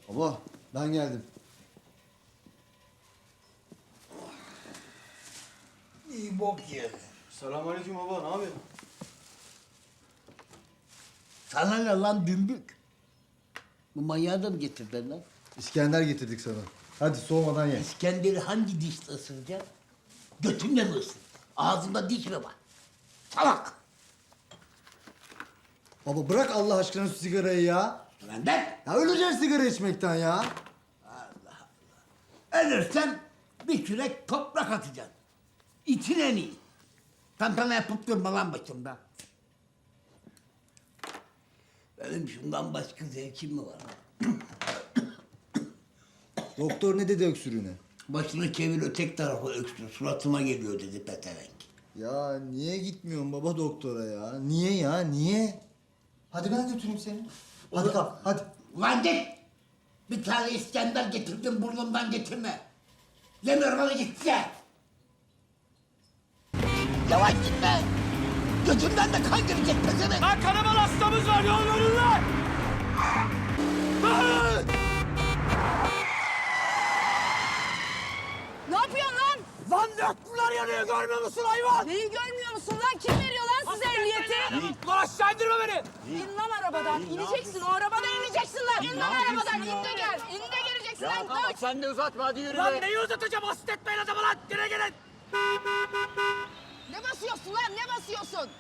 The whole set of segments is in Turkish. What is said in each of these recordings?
Baba ben geldim. İyi bok yedi. Selamünaleyküm baba, ne yapıyorsun? Sana ne lan dümbük? Bu manyağı da mı getirdin lan? İskender getirdik sana. Hadi soğumadan ye. İskender'i hangi dişle ısıracaksın? Götünle mi ısır? Ağzında diş mi var? Salak! Baba bırak Allah aşkına şu sigarayı ya. Benden Ya öleceğiz sigara içmekten ya. ölürsen bir kürek toprak atacaksın. İçin en iyi. Tantana yapıp durma lan başımda. Benim şundan başka zevkim mi var? Doktor ne dedi öksürüğüne? Başını çevir ötek tarafa öksür. Suratıma geliyor dedi petevenk. Ya niye gitmiyorsun baba doktora ya? Niye ya, niye? Hadi ben götüreyim seni. Hadi kalk, hadi. Ulan git! Bir tane İskender getirdim burnumdan getirme. Demiyorum hadi git size. Yavaş gitme. Gözümden de kan girecek pezevenk. Lan kanaman hastamız var, yol verin lan! Ne yapıyorsun lan? Lan döktüler yanıyor, görmüyor musun hayvan? Neyi görmüyor musun lan? Kim veriyor lan size ehliyeti? Lan aşağı indirme beni! İn lan arabadan. İneceksin. O arabadan ineceksin lan. İn lan arabadan. İn de gel. İn de geleceksin lan. Tamam sen de uzatma, hadi yürü. Lan neyi uzatacağım, hasret etmeyin adamı lan! Gire gelin! Ne basıyorsun lan? Ne basıyorsun?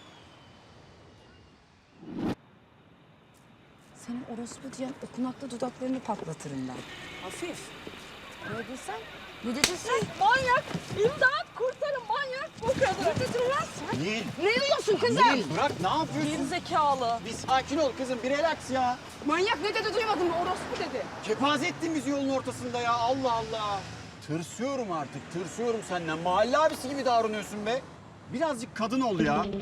Senin orospu diyen okunaklı dudaklarını patlatırım ben. Hafif. Ne dedin sen? Ne dedin sen? Manyak! İmdat! Kurtarın manyak bu kadın! Ne dedin lan sen? Nil, Ne diyorsun kızım? Nil bırak ne yapıyorsun? Gerizekalı. Bir sakin ol kızım, bir relax ya. Manyak ne dedi duymadın mı? Orospu dedi. Kepaze ettin bizi yolun ortasında ya, Allah Allah. Tırsıyorum artık, tırsıyorum senden. Mahalle abisi gibi davranıyorsun be. Birazcık kadın ol ya.